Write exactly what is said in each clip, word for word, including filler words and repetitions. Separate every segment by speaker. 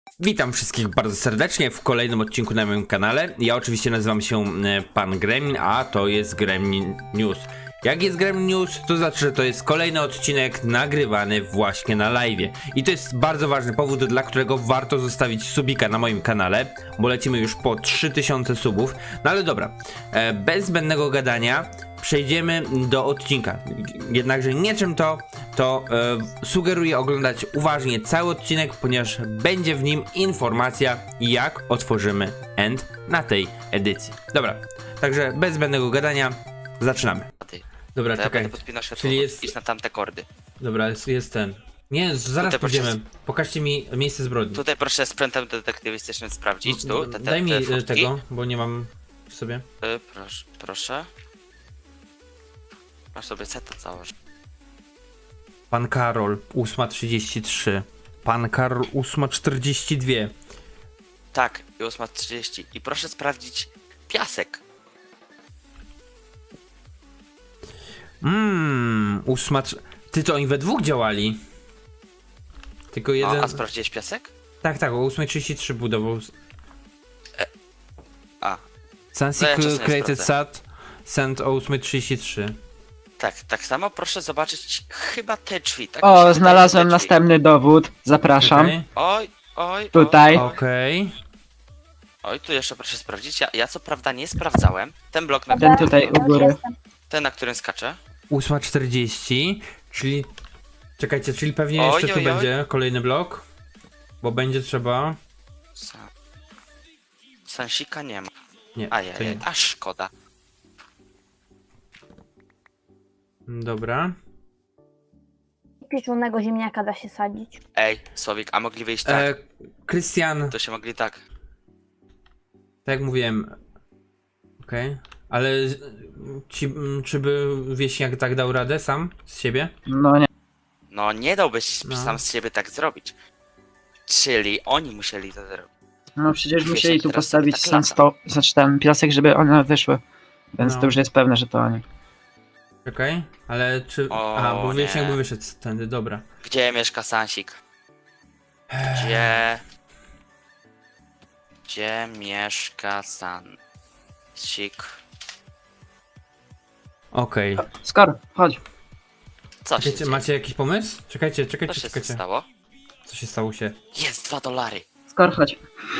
Speaker 1: Witam wszystkich bardzo serdecznie w kolejnym odcinku na moim kanale. Ja oczywiście nazywam się e, Pan Gremlin, a to jest Gremlin News. Jak jest Gremlin News, to znaczy, że to jest kolejny odcinek nagrywany właśnie na live'ie. I to jest bardzo ważny powód, dla którego warto zostawić subika na moim kanale, bo lecimy już po trzy tysiące subów. No ale dobra, e, bez zbędnego gadania przejdziemy do odcinka. Jednakże niczym to, to e, sugeruję oglądać uważnie cały odcinek, ponieważ będzie w nim informacja, jak otworzymy end na tej edycji. Dobra, także bez zbędnego gadania zaczynamy. Dobra,
Speaker 2: To ja
Speaker 1: czekaj.
Speaker 2: będę podpinał światło,
Speaker 1: Czyli jest...
Speaker 2: iść na tamte kordy.
Speaker 1: Dobra, jest, jest ten. Nie, zaraz
Speaker 2: Tutaj
Speaker 1: pójdziemy.
Speaker 2: proszę-
Speaker 1: Pokażcie mi miejsce zbrodni.
Speaker 2: Tutaj proszę sprzętem detektywistycznym sprawdzić, tu, te, te,
Speaker 1: Daj mi
Speaker 2: te
Speaker 1: e,
Speaker 2: furtki.
Speaker 1: tego, bo nie mam w sobie.
Speaker 2: Y, proszę, proszę. Masz sobie seta założyć.
Speaker 1: Pan Karol, ósma trzydzieści trzy. Pan Karol, ósma czterdzieści dwa.
Speaker 2: Tak, i ósma trzydzieści. I proszę sprawdzić piasek.
Speaker 1: Mmm, ósma... trz- Ty to oni we dwóch działali? Tylko jeden...
Speaker 2: No, a sprawdziłeś piasek?
Speaker 1: Tak, tak, o ósma trzydzieści trzy budował.
Speaker 2: A,
Speaker 1: Sansi
Speaker 2: No ja czasem nie
Speaker 1: created
Speaker 2: sprawdzę.
Speaker 1: sat, sent o ósma trzydzieści trzy.
Speaker 2: tak, tak samo proszę zobaczyć chyba te drzwi. Tak mi się
Speaker 3: O,
Speaker 2: wydaje,
Speaker 3: znalazłem
Speaker 2: te drzwi.
Speaker 3: następny dowód. Zapraszam.
Speaker 1: Okej,
Speaker 2: Oj, oj,
Speaker 3: Tutaj.
Speaker 2: Oj,
Speaker 1: okej.
Speaker 2: oj, tu jeszcze proszę sprawdzić. Ja, ja co prawda nie sprawdzałem. Ten blok, na,
Speaker 3: Ten tutaj u góry.
Speaker 2: ten na którym skaczę.
Speaker 1: ósma czterdzieści, czyli... Czekajcie, czyli pewnie
Speaker 2: Oj,
Speaker 1: jeszcze tu
Speaker 2: oj, oj.
Speaker 1: będzie kolejny blok. Bo będzie trzeba...
Speaker 2: Sa- Sansika nie ma.
Speaker 1: Nie, to
Speaker 2: Ajajaj,
Speaker 1: nie.
Speaker 2: aż szkoda.
Speaker 1: Dobra.
Speaker 4: Pieczonego ziemniaka da się sadzić.
Speaker 2: Ej, Słowik, a mogli wyjść tak?
Speaker 1: E, Krystian,
Speaker 2: To się mogli tak.
Speaker 1: tak jak mówiłem. Okej. Ale z- ci, m, czy by wieśniak tak dał radę sam z siebie?
Speaker 3: No nie.
Speaker 2: No nie dałbyś
Speaker 1: No.
Speaker 2: sam z siebie tak zrobić. Czyli oni musieli to zrobić.
Speaker 3: No przecież
Speaker 2: Wiesz,
Speaker 3: musieli
Speaker 2: jak
Speaker 3: tu
Speaker 2: teraz
Speaker 3: postawić
Speaker 2: tak
Speaker 3: sam sto, znaczy ten piasek, żeby one wyszły. Więc
Speaker 1: No.
Speaker 3: to już jest pewne, że to oni.
Speaker 1: Czekaj, ale czy...
Speaker 2: O,
Speaker 1: Aha, bo wieśniak
Speaker 2: nie.
Speaker 1: by wyszedł tędy, dobra.
Speaker 2: Gdzie mieszka Sansik? Gdzie... Gdzie mieszka Sansik?
Speaker 1: Okej.
Speaker 3: Skor, chodź.
Speaker 2: Co się
Speaker 1: Czekajcie,
Speaker 2: dzieje?
Speaker 1: macie jakiś pomysł? Czekajcie,
Speaker 2: Co
Speaker 1: czekajcie,
Speaker 2: się
Speaker 1: czekajcie.
Speaker 2: stało?
Speaker 1: Co się stało się?
Speaker 2: Jest dwa dolary.
Speaker 3: Skor, chodź.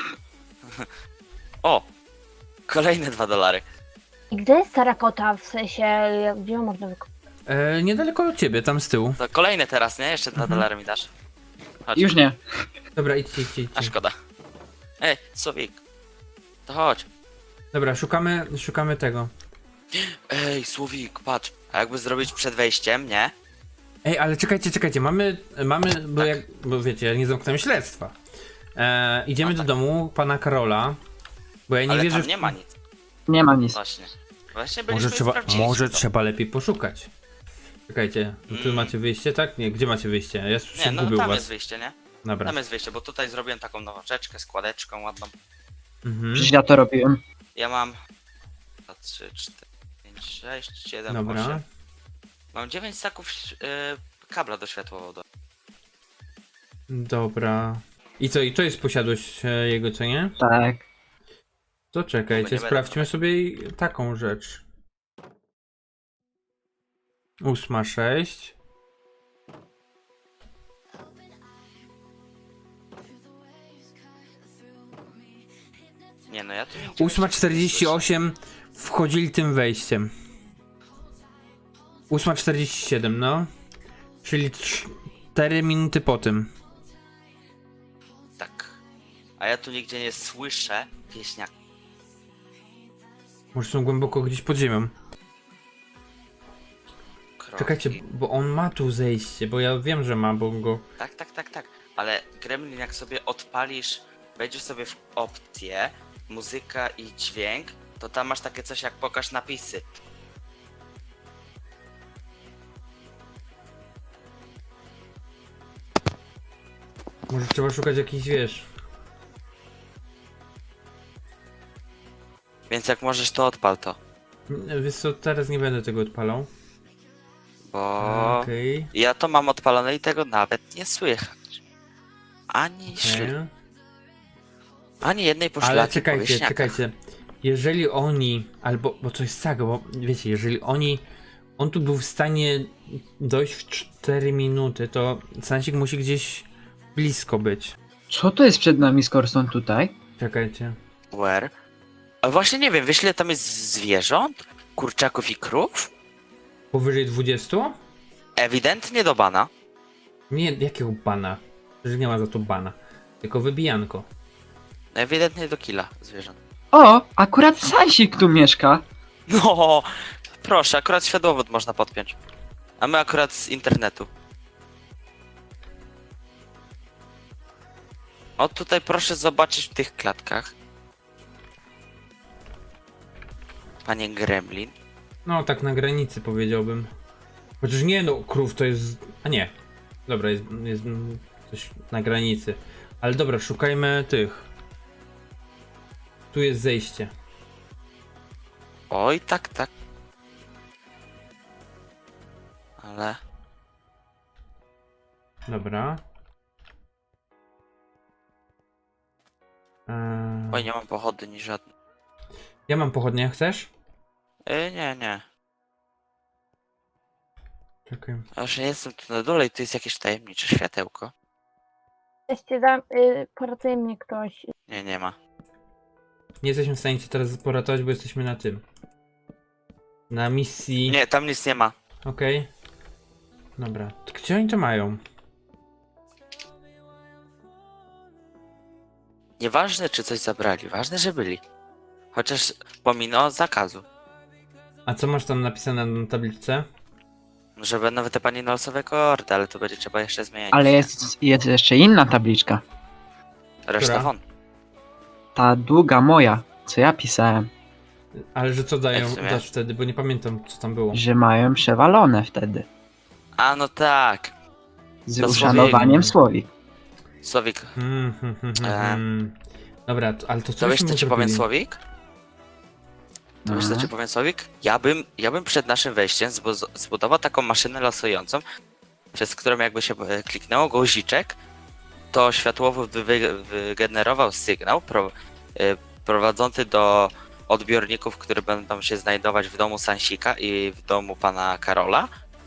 Speaker 2: O! Kolejne dwa dolary.
Speaker 4: I gdzie jest terakota? W sensie, jak- gdzie ją można wykopać?
Speaker 1: E, niedaleko od ciebie, tam z tyłu.
Speaker 2: To kolejne teraz, nie? Jeszcze dwa
Speaker 1: Mhm.
Speaker 2: dolary mi dasz. Chodź.
Speaker 3: Już nie.
Speaker 1: Dobra, idźcie, idźcie,
Speaker 2: A
Speaker 1: idźcie.
Speaker 2: szkoda. Ej, Słowik. To chodź.
Speaker 1: Dobra, szukamy, szukamy tego.
Speaker 2: Ej, Słowik, patrz. A jakby zrobić przed wejściem, nie?
Speaker 1: Ej, ale czekajcie, czekajcie, mamy, mamy, bo
Speaker 2: Tak.
Speaker 1: jak, bo wiecie, ja nie zamknąłem śledztwa. E, idziemy
Speaker 2: No
Speaker 1: do
Speaker 2: tak.
Speaker 1: domu pana Karola, bo ja nie
Speaker 2: Ale
Speaker 1: wierzę
Speaker 2: tam
Speaker 1: w...
Speaker 2: nie ma nic.
Speaker 3: Nie ma nic.
Speaker 2: Właśnie. Właśnie byliśmy
Speaker 1: Może trzeba,
Speaker 2: sprawdziliśmy
Speaker 1: może
Speaker 2: to.
Speaker 1: trzeba lepiej poszukać. Czekajcie, no tu
Speaker 2: Mm.
Speaker 1: macie wyjście, tak? Nie, gdzie macie wyjście? Ja się
Speaker 2: Nie, no
Speaker 1: gubię u
Speaker 2: tam
Speaker 1: was.
Speaker 2: jest wyjście, nie?
Speaker 1: Dobra.
Speaker 2: Tam jest wyjście, bo tutaj zrobiłem taką nowaczeczkę, składeczką ładną.
Speaker 1: Mhm.
Speaker 3: Przecież ja to robiłem.
Speaker 2: Ja mam... dwa, trzy, cztery, pięć, sześć, siedem,
Speaker 1: Dobra.
Speaker 2: osiem. Mam dziewięć staków yy, kabla do światłowodu.
Speaker 1: Dobra. I co, i to jest posiadłość e, jego, co nie?
Speaker 3: Tak.
Speaker 1: To
Speaker 2: Bo nie
Speaker 1: czekajcie,
Speaker 2: będę
Speaker 1: sprawdźmy sobie i taką rzecz. Ósma sześć.
Speaker 2: Nie no, ja tu nigdzie
Speaker 1: Ósma
Speaker 2: jeszcze
Speaker 1: czterdzieści
Speaker 2: nie
Speaker 1: osiem wchodzili tym wejściem. Ósma czterdzieści siedem, no. Czyli cztery minuty po tym.
Speaker 2: słyszę. Tak. A ja tu nigdzie nie słyszę pieśniaka.
Speaker 1: Może są głęboko gdzieś pod ziemią. Czekajcie, bo on ma tu zejście, bo ja wiem, że ma, bo go...
Speaker 2: Tak, tak, tak, tak. Ale Gremlin, jak sobie odpalisz, wejdziesz sobie w opcję, muzyka i dźwięk, to tam masz takie coś jak pokaż napisy.
Speaker 1: Może trzeba szukać jakichś, wiesz...
Speaker 2: Więc jak możesz, to odpal to.
Speaker 1: Wiesz co, teraz nie będę tego odpalał.
Speaker 2: Bo
Speaker 1: Okej.
Speaker 2: ja to mam odpalone i tego nawet nie słychać. Ani śl...
Speaker 1: Okay.
Speaker 2: Ani jednej poszlaki
Speaker 1: Ale
Speaker 2: po
Speaker 1: czekajcie,
Speaker 2: wieśniakach.
Speaker 1: czekajcie. Jeżeli oni, albo, bo coś saga, bo wiecie, jeżeli oni, on tu był w stanie dojść w cztery minuty, to Sansik musi gdzieś blisko być.
Speaker 3: Co to jest przed nami, skoro są tutaj?
Speaker 1: Czekajcie.
Speaker 2: Where? A właśnie nie wiem, wiesz ile tam jest zwierząt? Kurczaków i krów?
Speaker 1: Powyżej dwudziestu?
Speaker 2: Ewidentnie do bana.
Speaker 1: Nie, jakiego bana? Że nie ma za to bana. Tylko wybijanko.
Speaker 2: Ewidentnie do killa zwierząt.
Speaker 3: O, akurat Sansik tu mieszka.
Speaker 2: No, proszę, akurat światłowód można podpiąć. A my akurat z internetu. O, tutaj proszę zobaczyć w tych klatkach. Panie Gremlin.
Speaker 1: No, tak na granicy powiedziałbym. Chociaż nie, no, krów to jest... A nie. Dobra, jest, jest mm, coś na granicy. Ale dobra, szukajmy tych. Tu jest zejście.
Speaker 2: Oj, tak, tak. Ale...
Speaker 1: Dobra. Eee,
Speaker 2: Oj, nie mam pochodni żadnej.
Speaker 1: ja mam pochodnie, chcesz?
Speaker 2: Yy, nie, nie.
Speaker 1: Czekaj.
Speaker 2: Aż nie jestem tu na dole i tu jest jakieś tajemnicze światełko.
Speaker 4: Jesteście da, y, poratuje mnie ktoś.
Speaker 2: Nie, nie ma.
Speaker 1: Nie jesteśmy w stanie cię teraz poratować, bo jesteśmy na tym. Na misji.
Speaker 2: Nie, tam nic nie ma.
Speaker 1: Okej. Dobra. To gdzie oni to mają?
Speaker 2: Nieważne, czy coś zabrali, ważne, że byli. Chociaż pomimo zakazu.
Speaker 1: A co masz tam napisane na tabliczce?
Speaker 2: Że będą wytypani na losowe kordy, ale to będzie trzeba jeszcze zmienić.
Speaker 3: Ale jest, jest jeszcze inna tabliczka.
Speaker 2: Reszta
Speaker 1: Która?
Speaker 2: won.
Speaker 3: Ta długa moja, co ja pisałem,
Speaker 1: Ale że co dają,
Speaker 2: Jak w sumie?
Speaker 1: dasz wtedy, bo nie pamiętam co tam było.
Speaker 3: że mają przewalone wtedy.
Speaker 2: A no tak.
Speaker 3: Z
Speaker 2: To
Speaker 3: uszanowaniem Słowik.
Speaker 2: Słowik.
Speaker 1: Hmm, hmm, hmm, hmm,
Speaker 2: Eee.
Speaker 1: hmm. Dobra, to, ale to co
Speaker 2: To wiesz
Speaker 1: byśmy
Speaker 2: co ci
Speaker 1: mu
Speaker 2: powiem
Speaker 1: zrobili?
Speaker 2: Słowik? To wiesz co
Speaker 3: Mhm.
Speaker 2: ci powiem Słowik? Ja bym, ja bym przed naszym wejściem zbu- zbudował taką maszynę losującą, przez którą jakby się e, kliknęło guziczek, to światłowód by wy- wygenerował sygnał pro, e, prowadzący do odbiorników, które będą się znajdować w domu Sansika i w domu pana Karola.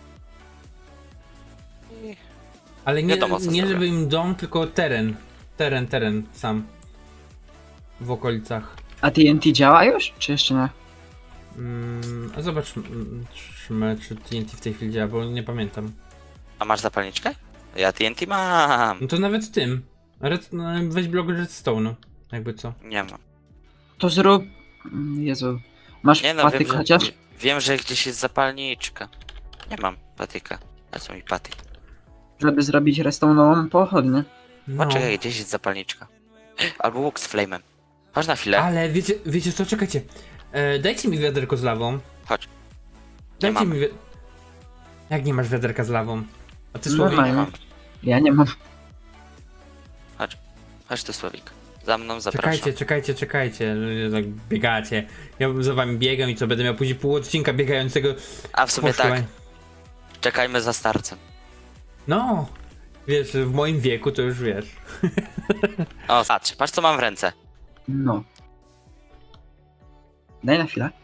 Speaker 2: I
Speaker 1: Ale nie,
Speaker 2: Wiadomo, co
Speaker 1: nie
Speaker 2: zrobię.
Speaker 1: żeby im dom, tylko teren. Teren, teren sam. W okolicach.
Speaker 3: A T N T działa już? Czy jeszcze nie?
Speaker 1: Mm, a zobaczmy, czy T N T w tej chwili działa, bo nie pamiętam.
Speaker 2: A masz zapalniczkę? Ja T N T mam.
Speaker 1: No to nawet tym. Red, no, weź blok redstone'u, jakby co.
Speaker 2: Nie mam.
Speaker 3: To zrób... Mm, Jezu. Masz
Speaker 2: Nie no,
Speaker 3: patyk
Speaker 2: wiem że,
Speaker 3: chociaż?
Speaker 2: wiem, że gdzieś jest zapalniczka. Nie mam patyka. A co mi patyk?
Speaker 3: Żeby zrobić restauranową pochodnię.
Speaker 1: No.
Speaker 2: Poczekaj, gdzieś jest zapalniczka. Albo łuk z flame'em. Chodź na chwilę.
Speaker 1: Ale wiecie, wiecie co, czekajcie. E, dajcie mi wiaderko z lawą.
Speaker 2: Chodź.
Speaker 1: Dajcie
Speaker 2: mamy.
Speaker 1: mi wi- Jak nie masz wiaderka z lawą? A ty
Speaker 3: No
Speaker 1: Słowik?
Speaker 3: ma-
Speaker 2: Nie mam.
Speaker 3: Ja nie mam.
Speaker 2: Chodź tu Słowik. Za mną zapraszam.
Speaker 1: Czekajcie, czekajcie, czekajcie, że tak biegacie. Ja za wami biegam i co, będę miał później pół odcinka biegającego.
Speaker 2: A w sumie
Speaker 1: Poszukaj.
Speaker 2: tak. Czekajmy za starcem.
Speaker 1: No, wiesz, w moim wieku to już wiesz.
Speaker 2: O, patrz, patrz co mam w ręce.
Speaker 3: No. Daj na chwilę.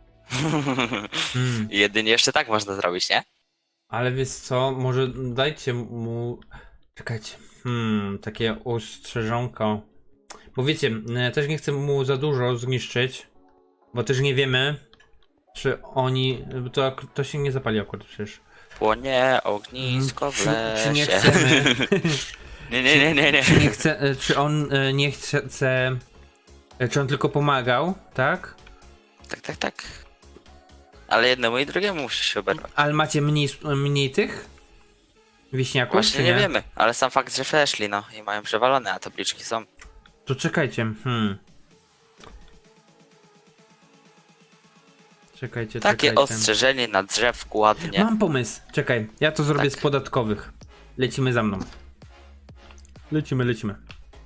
Speaker 1: Mm.
Speaker 2: Jedynie jeszcze tak można zrobić, nie?
Speaker 1: Ale wiesz co, może dajcie mu... Czekajcie, hmm, takie ostrzeżonko. Bo wiecie, e, też nie chcę mu za dużo zniszczyć, bo też nie wiemy, czy oni... bo To, to się nie zapali akurat przecież.
Speaker 2: Płonie ognisko w
Speaker 1: Czy, czy nie
Speaker 2: lesie.
Speaker 1: chcemy...
Speaker 2: Nie, nie, nie, nie, nie.
Speaker 1: Czy nie chce, e, czy on e, nie chce, e, czy on tylko pomagał, tak?
Speaker 2: Tak, tak, tak. Ale jednemu i drugiemu musi się oberwać.
Speaker 1: Ale macie mniej, mniej tych wiśniaków,
Speaker 2: Właśnie
Speaker 1: czy
Speaker 2: nie
Speaker 1: nie?
Speaker 2: wiemy, ale sam fakt, że weszli, no i mają przewalone, a tabliczki są.
Speaker 1: To czekajcie, hmm. Czekajcie,
Speaker 2: Takie
Speaker 1: czekajcie.
Speaker 2: ostrzeżenie na drzewku ładnie.
Speaker 1: Mam pomysł, czekaj, ja to zrobię
Speaker 2: Tak.
Speaker 1: z podatkowych. Lecimy za mną. Lecimy, lecimy.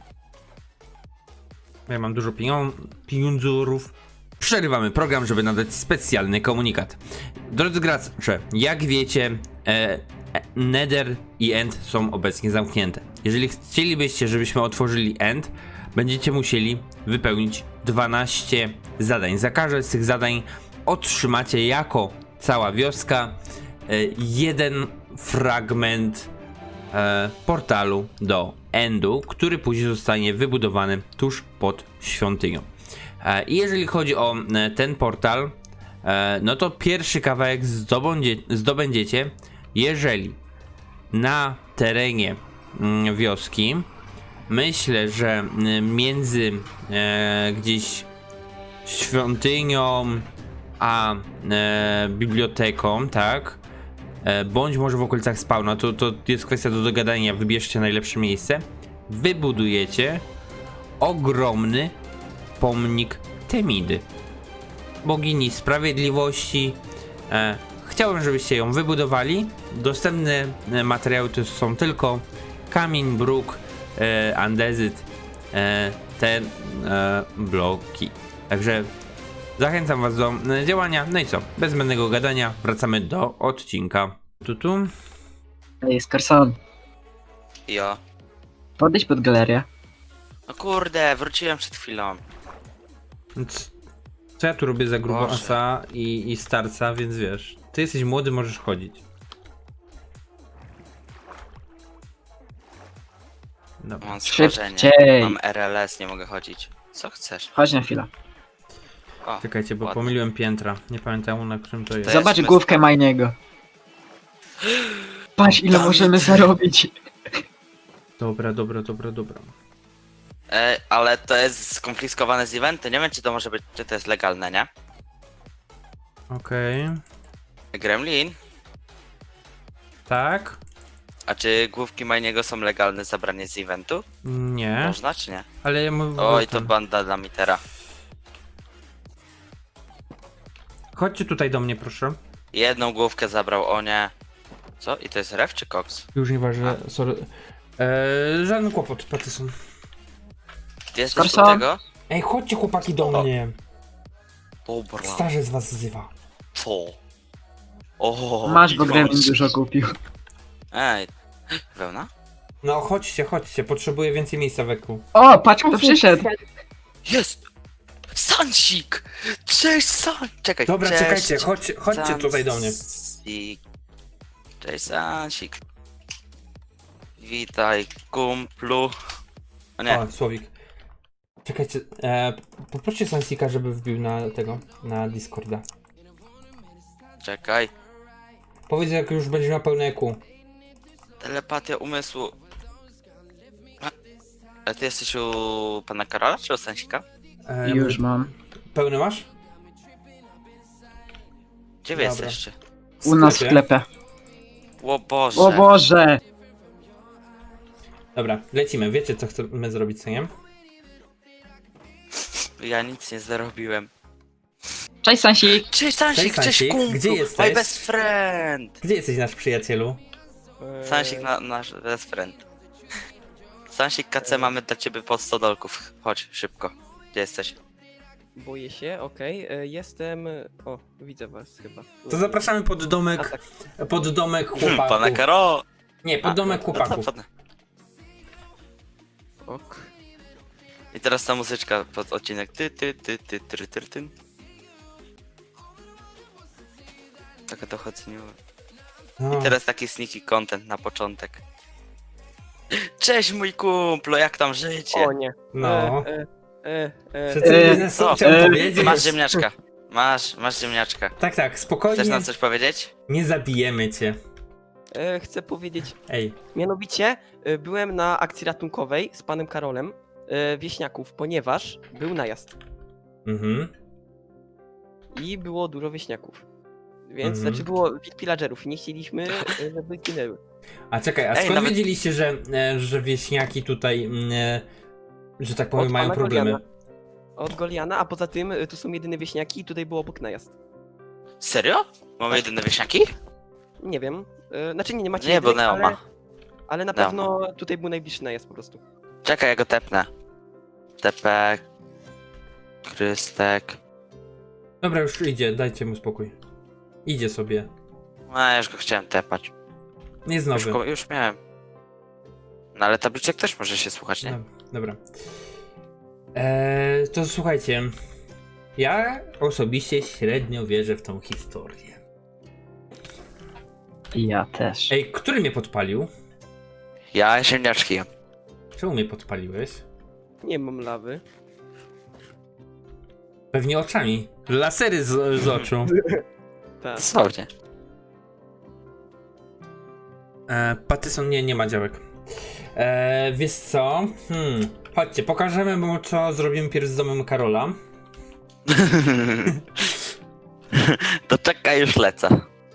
Speaker 1: Ja mam dużo pienią- pieniądzurów. Przerywamy program, żeby nadać specjalny komunikat. Drodzy gracze, jak wiecie, e, e, Nether i End są obecnie zamknięte. Jeżeli chcielibyście, żebyśmy otworzyli End, będziecie musieli wypełnić dwanaście zadań. Za każde z tych zadań otrzymacie jako cała wioska e, jeden fragment e, portalu do Endu, który później zostanie wybudowany tuż pod świątynią. E, I jeżeli chodzi o e, ten portal, e, no to pierwszy kawałek zdobędzie, zdobędziecie, jeżeli na terenie mm, wioski, myślę, że mm, między e, gdzieś świątynią a e, biblioteką, tak, e, bądź może w okolicach spawna, to, to jest kwestia do dogadania, wybierzcie najlepsze miejsce, wybudujecie ogromny pomnik Temidy, bogini sprawiedliwości. E, chciałbym, żebyście ją wybudowali. Dostępne e, materiały to są tylko kamień, bruk, e, andezyt, e, te e, bloki. Także zachęcam was do e, działania. No i co? Bez zbędnego gadania wracamy do odcinka. Tu, tu.
Speaker 3: Ej, Skarson,
Speaker 2: Jo.
Speaker 3: podejdź pod galerię.
Speaker 2: No kurde, wróciłem przed chwilą.
Speaker 1: C- Co ja tu robię za grubo
Speaker 2: Boże.
Speaker 1: asa i, i starca, więc wiesz. Ty jesteś młody, możesz chodzić. Dobra.
Speaker 2: Mam schorzenie.
Speaker 3: Szybciej.
Speaker 2: Mam R L S, nie mogę chodzić. Co chcesz?
Speaker 3: Chodź na chwilę.
Speaker 2: O,
Speaker 1: Czekajcie, bo
Speaker 2: ładnie.
Speaker 1: pomyliłem piętra. Nie pamiętam, na którym to jest.
Speaker 2: To
Speaker 3: Zobacz
Speaker 2: jest
Speaker 3: główkę
Speaker 2: myska.
Speaker 3: Majniego. Patrz, ile
Speaker 2: Dawid.
Speaker 3: możemy zarobić.
Speaker 1: Dobra, dobra, dobra, dobra.
Speaker 2: E, ale to jest skonfiskowane z eventu, nie wiem czy to może być, czy to jest legalne, nie?
Speaker 1: Okej.
Speaker 2: Gremlin?
Speaker 1: Tak?
Speaker 2: A czy główki Majniego są legalne zabranie z eventu?
Speaker 1: Nie.
Speaker 2: Można czy nie?
Speaker 1: Ale ja mówię.
Speaker 2: Oj, to banda dla mitera.
Speaker 1: Chodźcie tutaj do mnie, proszę.
Speaker 2: Jedną główkę zabrał, o nie. Co? I to jest ref czy koks?
Speaker 1: Już nieważne, sorry. Eee, żaden kłopot, Patyson.
Speaker 2: Ty jesteś u
Speaker 3: Skarson?
Speaker 2: tego?
Speaker 1: Ej, chodźcie chłopaki do
Speaker 2: O.
Speaker 1: mnie.
Speaker 2: Dobra.
Speaker 1: Starzec was wzywa.
Speaker 2: Co? O,
Speaker 3: Masz, bo
Speaker 2: i
Speaker 3: Gremlin
Speaker 2: masz.
Speaker 3: dużo kupił.
Speaker 2: Ej, wełna?
Speaker 1: No chodźcie, chodźcie, potrzebuję więcej miejsca wokół.
Speaker 3: O, patrz kto przyszedł.
Speaker 2: Jest! Sansik! Cześć San! Czekaj,
Speaker 1: Dobra,
Speaker 2: cześć.
Speaker 1: czekajcie, chodźcie, chodźcie tutaj do mnie.
Speaker 2: Sansik. Cześć Sansik. Witaj kumplu. O nie,
Speaker 1: O, Słowik. Czekajcie, e, poproście Sansika, żeby wbił na tego, na Discorda.
Speaker 2: czekaj.
Speaker 1: Powiedz, jak już będzie miał pełne E Q.
Speaker 2: Telepatia umysłu. A, a ty jesteś u pana Karola czy u Sansika?
Speaker 1: E,
Speaker 3: Już mam.
Speaker 1: Pełny masz?
Speaker 2: Gdzie wy
Speaker 1: Dobra.
Speaker 2: jesteście?
Speaker 3: U nas w sklepie.
Speaker 2: O Boże.
Speaker 3: O Boże!
Speaker 1: Dobra, lecimy. Wiecie, co chcemy zrobić, co nie?
Speaker 2: Ja nic nie zarobiłem.
Speaker 3: Cześć Sansik!
Speaker 2: Cześć Sansik,
Speaker 1: Cześć,
Speaker 2: cześć,
Speaker 1: Sansik.
Speaker 2: kumplu.
Speaker 1: Gdzie jesteś?
Speaker 2: My best friend.
Speaker 1: Gdzie jesteś, nasz przyjacielu?
Speaker 2: Sansik, na, nasz best friend. Sansik K C mamy dla ciebie pod sto dolków. Chodź, szybko. Gdzie jesteś?
Speaker 5: Boję się, okej. e, Jestem. O, widzę was chyba.
Speaker 1: To zapraszamy pod
Speaker 5: A
Speaker 1: domek,
Speaker 5: tak,
Speaker 1: pod domek
Speaker 2: Hmm,
Speaker 1: chłopaków.
Speaker 2: pana Karo.
Speaker 1: Nie, pod
Speaker 2: A,
Speaker 1: domek
Speaker 2: no to
Speaker 1: chłopaków.
Speaker 2: pod-
Speaker 5: ok.
Speaker 2: I teraz ta muzyczka pod odcinek. Ty, ty, ty, ty, ty, ty, ty. Taka to chodzenie.
Speaker 1: No.
Speaker 2: I teraz taki sneaky content na początek. Cześć mój kumplo, jak tam życie?
Speaker 5: O nie.
Speaker 1: No.
Speaker 5: E, e, e,
Speaker 1: Że
Speaker 5: e,
Speaker 1: co
Speaker 3: E,
Speaker 1: biznesu
Speaker 2: o,
Speaker 1: chciałem
Speaker 3: e,
Speaker 1: powiedzieć?
Speaker 2: Masz ziemniaczka. Masz, masz ziemniaczka.
Speaker 1: Tak, tak, spokojnie.
Speaker 2: Chcesz nam coś powiedzieć?
Speaker 1: Nie zabijemy cię.
Speaker 5: e, chcę powiedzieć.
Speaker 1: Ej,
Speaker 5: Mianowicie e, byłem na akcji ratunkowej z panem Karolem e, wieśniaków, ponieważ był najazd
Speaker 1: mhm.
Speaker 5: i było dużo wieśniaków. Więc
Speaker 1: Mhm.
Speaker 5: znaczy było pillagerów i nie chcieliśmy, e, żeby ginęły.
Speaker 1: A czekaj, a
Speaker 2: Ej,
Speaker 1: skąd
Speaker 2: nawet-
Speaker 1: wiedzieliście, że, e, że wieśniaki tutaj, mm, e, że tak powiem,
Speaker 5: Od
Speaker 1: mają
Speaker 5: pana
Speaker 1: problemy?
Speaker 5: Goliana. Od Goliana, a poza tym e, tu są jedyne wieśniaki i tutaj był obok najazd.
Speaker 2: Serio? Mamy jedyne wieśniaki?
Speaker 5: Nie wiem. E, znaczy nie, nie macie
Speaker 2: Nie, bo
Speaker 5: jedynych,
Speaker 2: Neo
Speaker 5: ale,
Speaker 2: ma.
Speaker 5: ale na
Speaker 2: Neo
Speaker 5: pewno tutaj był najbliższy najazd po prostu.
Speaker 2: Czekaj, ja go tepnę. Tepek. Krystek.
Speaker 1: Dobra, już idzie, dajcie mu spokój. Idzie sobie.
Speaker 2: A, ja już go chciałem tepać.
Speaker 1: Nie jest
Speaker 2: Już,
Speaker 1: nowy.
Speaker 2: go, już miałem. No ale tabliczek też może się słuchać, nie?
Speaker 1: No, dobra. Eee, to słuchajcie, ja osobiście średnio wierzę w tą historię.
Speaker 3: Ja też.
Speaker 1: Ej, który mnie podpalił?
Speaker 2: Ja ziemniaczki.
Speaker 1: Czemu mnie podpaliłeś?
Speaker 5: Nie mam lawy.
Speaker 1: Pewnie oczami. Lasery z, z oczu.
Speaker 5: Tak.
Speaker 2: Dosłownie.
Speaker 1: E, Patyson nie, nie ma działek. E, wiesz co? Hmm. Chodźcie, pokażemy mu, co zrobimy pierw z domem Karola.
Speaker 2: To czekaj, już lecę.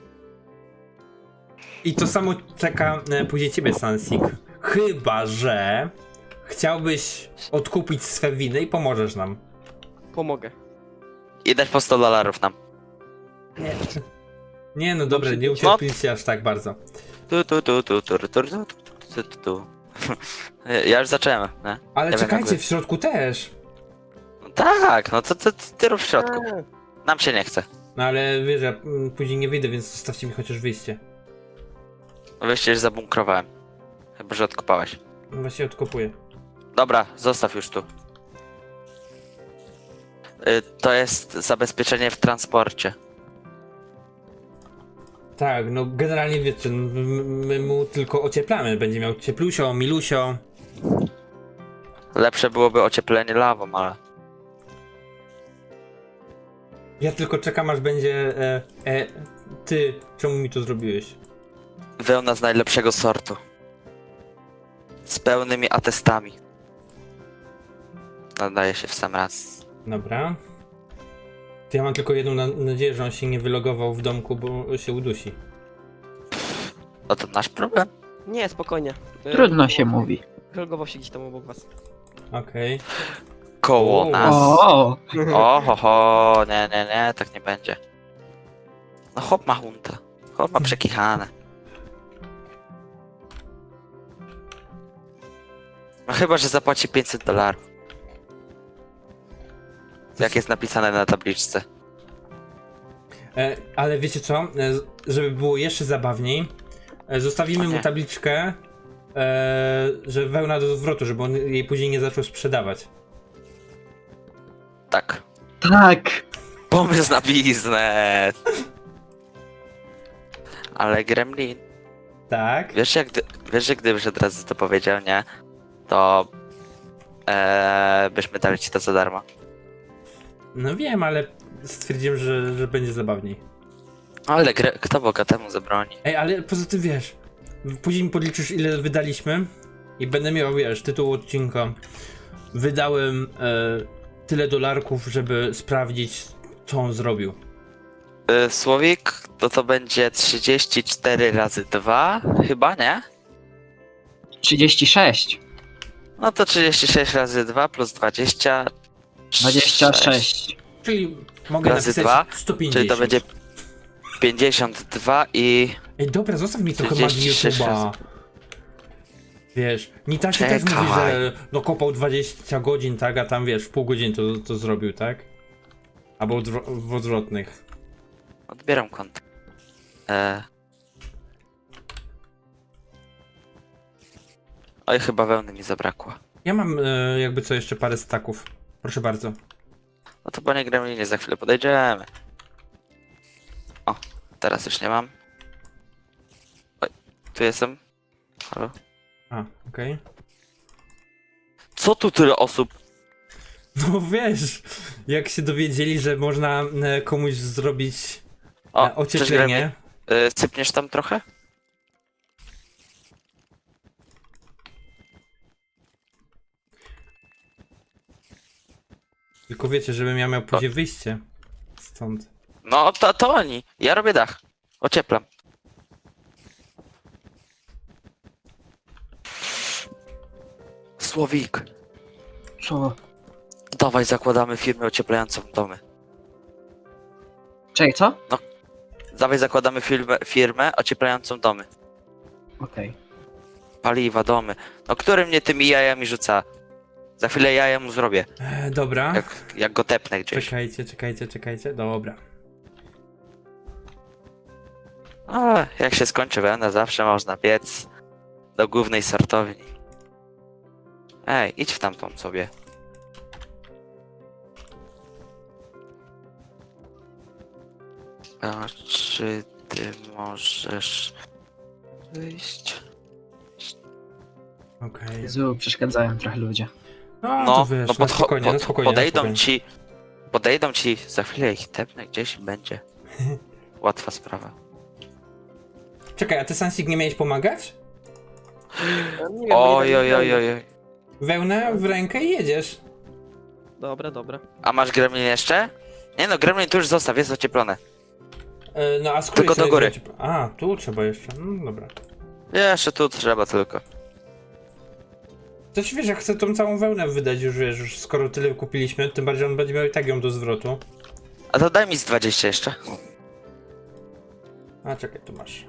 Speaker 1: I to samo czeka e, później ciebie, Sansik. Chyba, że chciałbyś odkupić swe winy i pomożesz nam.
Speaker 5: Pomogę.
Speaker 2: I dać po sto dolarów nam.
Speaker 1: Nie, nie no dobra, nie
Speaker 2: No.
Speaker 1: ucierpliwcie aż tak bardzo.
Speaker 2: Tu, tu, tu, tu, tu, tu, tu, tu, tu, tu, tu. Ja już zacząłem, nie?
Speaker 1: Ale
Speaker 2: Ja
Speaker 1: czekajcie,
Speaker 2: wiem,
Speaker 1: w środku też.
Speaker 2: No tak, no to, to, to ty rób w środku.
Speaker 5: A,
Speaker 2: Nam się nie chce.
Speaker 1: No ale wiesz, ja mm, później nie wyjdę, więc zostawcie mi chociaż wyjście.
Speaker 2: No wyjście już zabunkrowałem. Chyba, że odkopałeś.
Speaker 1: No właśnie odkopuję.
Speaker 2: Dobra, zostaw już tu. Y, To jest zabezpieczenie w transporcie.
Speaker 1: Tak, no generalnie wiecie, no, m- my mu tylko ocieplamy. Będzie miał cieplusio, milusio.
Speaker 2: Lepsze byłoby ocieplenie lawą, ale...
Speaker 1: Ja tylko czekam, aż będzie. E, e, ty, czemu mi to zrobiłeś?
Speaker 2: Wełna z najlepszego sortu. Z pełnymi atestami. Nadaje się w sam raz.
Speaker 1: Dobra. To ja mam tylko jedną na- nadzieję, że on się nie wylogował w domku, bo się udusi.
Speaker 2: No to nasz problem.
Speaker 5: nie, spokojnie. Y,
Speaker 3: Trudno się mówi.
Speaker 5: Logował się gdzieś tam obok was.
Speaker 1: Okej.
Speaker 2: Koło
Speaker 1: O.
Speaker 2: nas.
Speaker 3: O,
Speaker 2: O, ho, ho, nie, nie, nie, tak nie będzie. No chłop ma huntę. Chłop ma przekichane. No chyba, że zapłaci pięćset dolarów. Jak jest napisane na tabliczce.
Speaker 1: E, ale wiecie co? E, żeby było jeszcze zabawniej, e, zostawimy
Speaker 2: O
Speaker 1: mu
Speaker 2: nie.
Speaker 1: tabliczkę, e, że wełna do zwrotu, żeby on jej później nie zaczął sprzedawać.
Speaker 2: Tak.
Speaker 3: tak.
Speaker 2: Pomysł na biznes. Ale Gremlin,
Speaker 1: Tak?
Speaker 2: wiesz, jak, gdy- wiesz, że gdybyś od razu to powiedział, nie? To e, byśmy dali ci to za darmo.
Speaker 1: No wiem, ale stwierdziłem, że, że będzie zabawniej.
Speaker 2: Ale gre, kto bogatemu zabroni?
Speaker 1: Ej, ale poza tym wiesz, później mi podliczysz ile wydaliśmy i będę miał, wiesz, tytuł odcinka. Wydałem e, tyle dolarków, żeby sprawdzić, co on zrobił.
Speaker 2: Y, Słowik, to to będzie trzydzieści cztery razy dwa, chyba, nie?
Speaker 3: trzydzieści sześć.
Speaker 2: No to trzydzieści sześć razy dwa plus dwadzieścia.
Speaker 3: dwadzieścia sześć.
Speaker 1: Czyli mogę
Speaker 2: Razy
Speaker 1: napisać
Speaker 2: dwa,
Speaker 1: sto pięćdziesiąt.
Speaker 2: Czyli to będzie pięćdziesiąt dwa i...
Speaker 1: Ej, dobra, zostaw mi trochę magii
Speaker 2: trzydzieści sześć
Speaker 1: YouTube'a.
Speaker 2: razy.
Speaker 1: Wiesz, Nitashi też mówi,
Speaker 2: Czekaj.
Speaker 1: że no kopał dwadzieścia godzin, tak, a tam wiesz, w pół godziny to, to zrobił, tak? Albo odwro- w odwrotnych.
Speaker 2: Odbieram konto. E... Oj, chyba wełny mi zabrakło.
Speaker 1: Ja mam e, jakby co jeszcze parę staków. Proszę bardzo.
Speaker 2: No to panie Gremlinie, za chwilę podejdziemy. O, teraz już nie mam. Oj, tu jestem. Halo?
Speaker 1: A, okej.
Speaker 2: Co tu tyle osób?
Speaker 1: No wiesz, jak się dowiedzieli, że można e, komuś zrobić
Speaker 2: O,
Speaker 1: e,
Speaker 2: cześć,
Speaker 1: ocieplenie.
Speaker 2: Gremlin. Y, sypniesz tam trochę?
Speaker 1: Tylko wiecie, żebym ja miał później wyjście stąd.
Speaker 2: No, to, to oni. Ja robię dach. Ocieplam. Słowik,
Speaker 3: Co?
Speaker 2: dawaj zakładamy firmę ocieplającą domy.
Speaker 3: Czekaj, co?
Speaker 2: Dawaj zakładamy firmę, firmę ocieplającą domy.
Speaker 3: Okej.
Speaker 2: Paliwa, domy. No który mnie tymi jajami rzuca? Za chwilę jaja mu zrobię.
Speaker 1: E, dobra.
Speaker 2: Jak, jak go tepnę gdzieś.
Speaker 1: Czekajcie, czekajcie, czekajcie. Dobra.
Speaker 2: A, jak się skończy wełna, zawsze można biec do głównej sortowni. Ej, idź w tamtą sobie. A czy ty możesz wyjść?
Speaker 1: Okej.
Speaker 3: Jezu, przeszkadzają trochę ludzie.
Speaker 1: No,
Speaker 2: No,
Speaker 1: to wiesz,
Speaker 2: no
Speaker 1: no
Speaker 2: podcho-
Speaker 1: spokojnie, no
Speaker 2: pod-
Speaker 1: spokojnie, no
Speaker 2: podejdą
Speaker 1: spokojnie.
Speaker 2: ci, podejdą ci, za chwilę ich tepnę gdzieś i będzie. Łatwa sprawa.
Speaker 1: Czekaj, a ty Sansik nie miałeś pomagać?
Speaker 5: Ja nie wiem, bo
Speaker 2: Oj,
Speaker 5: nie
Speaker 2: oj,
Speaker 5: wiem.
Speaker 2: oj, oj, oj.
Speaker 1: Wełnę w rękę i jedziesz.
Speaker 5: Dobra, dobra.
Speaker 2: A masz gremlin jeszcze? Nie no, gremlin tu już zostaw, jest ocieplone.
Speaker 1: E, no a skóry
Speaker 2: Tylko do
Speaker 1: sobie
Speaker 2: góry.
Speaker 1: wziąć- A, tu trzeba jeszcze, no dobra.
Speaker 2: Jeszcze tu trzeba tylko.
Speaker 1: To ci wiesz, jak chcę tą całą wełnę wydać już, wiesz, już skoro tyle kupiliśmy, tym bardziej on będzie miał i tak ją do zwrotu.
Speaker 2: A to daj mi z dwadzieścia jeszcze.
Speaker 1: A czekaj, tu masz.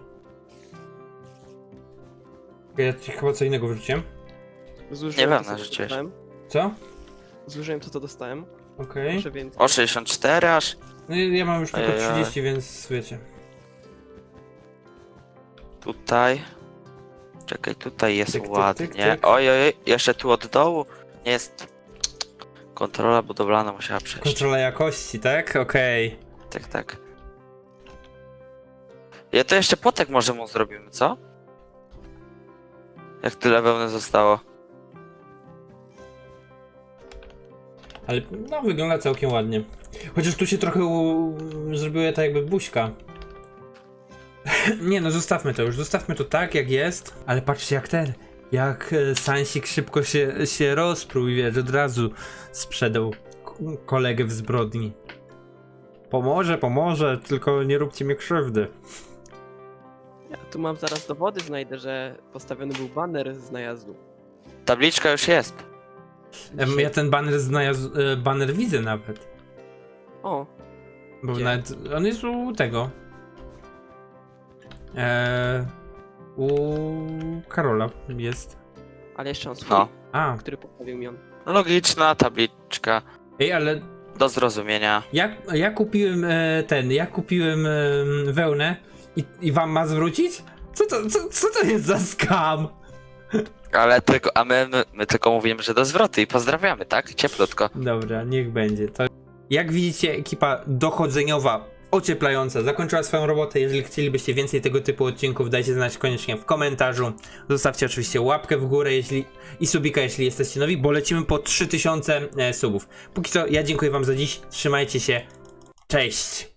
Speaker 1: Ja ci chyba co innego wyrzuciłem.
Speaker 5: Zużyłem
Speaker 2: Nie
Speaker 5: to,
Speaker 2: wiem,
Speaker 5: co
Speaker 2: narzuciłeś.
Speaker 5: dostałem.
Speaker 1: Co?
Speaker 5: Zużyłem to, co dostałem.
Speaker 1: Okej.
Speaker 5: Proszę więcej.
Speaker 2: O sześćdziesiąt cztery aż.
Speaker 1: No i ja mam już tylko
Speaker 2: Ojej.
Speaker 1: trzydzieści, więc wiecie.
Speaker 2: Tutaj. Czekaj, tutaj jest
Speaker 1: Tyk, tyk,
Speaker 2: ładnie.
Speaker 1: tyk, tyk.
Speaker 2: Oj, oj, oj, jeszcze tu od dołu nie jest. Kontrola budowlana musiała przejść.
Speaker 1: Kontrola jakości, tak? Okej.
Speaker 2: Tak, tak. Ja to jeszcze potek może mu zrobimy, co? Jak tyle wełny zostało.
Speaker 1: Ale no wygląda całkiem ładnie. Chociaż tu się trochę u... zrobiło tak jakby buźka. Nie no, zostawmy to już, zostawmy to tak jak jest. Ale patrzcie jak ten, jak e, Sansik szybko się, się rozpruł i wiesz, od razu sprzedał k- kolegę w zbrodni. Pomoże, pomoże, tylko nie róbcie mi krzywdy.
Speaker 5: Ja tu mam zaraz dowody, znajdę, że postawiony był baner z najazdu.
Speaker 2: Tabliczka już jest.
Speaker 1: Em, Ja ten baner znalazł, e, baner widzę nawet.
Speaker 5: O,
Speaker 1: Bo
Speaker 5: Gdzie?
Speaker 1: nawet on jest u tego. Eee, u Karola jest.
Speaker 5: ale jeszcze on swój,
Speaker 2: No.
Speaker 1: A,
Speaker 5: który postawił mi on.
Speaker 2: Logiczna tabliczka.
Speaker 1: ej, ale
Speaker 2: Do zrozumienia.
Speaker 1: ja, ja kupiłem e, ten, ja kupiłem e, wełnę i, i wam ma zwrócić? Co to, co, co to jest za skam?
Speaker 2: Ale tylko, a my, my, my tylko mówimy, że do zwrotu i pozdrawiamy, tak? Cieplutko.
Speaker 1: Dobra, niech będzie. To... Jak widzicie, ekipa dochodzeniowa, ocieplająca zakończyła swoją robotę. Jeżeli chcielibyście więcej tego typu odcinków, dajcie znać koniecznie w komentarzu. Zostawcie oczywiście łapkę w górę jeśli i subika, jeśli jesteście nowi, bo lecimy po trzy tysiące e, subów. Póki co, ja dziękuję wam za dziś. Trzymajcie się. Cześć!